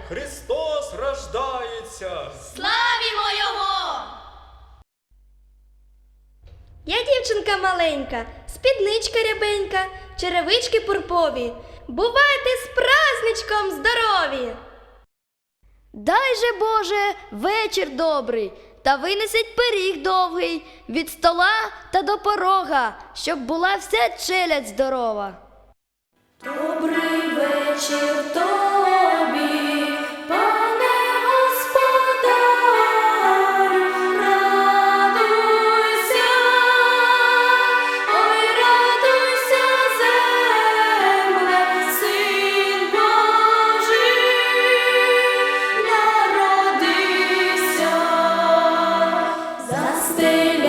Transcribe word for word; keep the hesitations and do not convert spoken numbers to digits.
Христос рождається! Славімо Його! Я дівчинка маленька, спідничка рябенька, черевички пурпові. Бувайте з праздничком здорові! Дай же, Боже, вечір добрий, та винесіть пиріг довгий від стола та до порога, щоб була вся челядь здорова. Добрий вечір тобі, пане господарю, радуйся, ой, радуйся, земле, Син Божий народився, застеля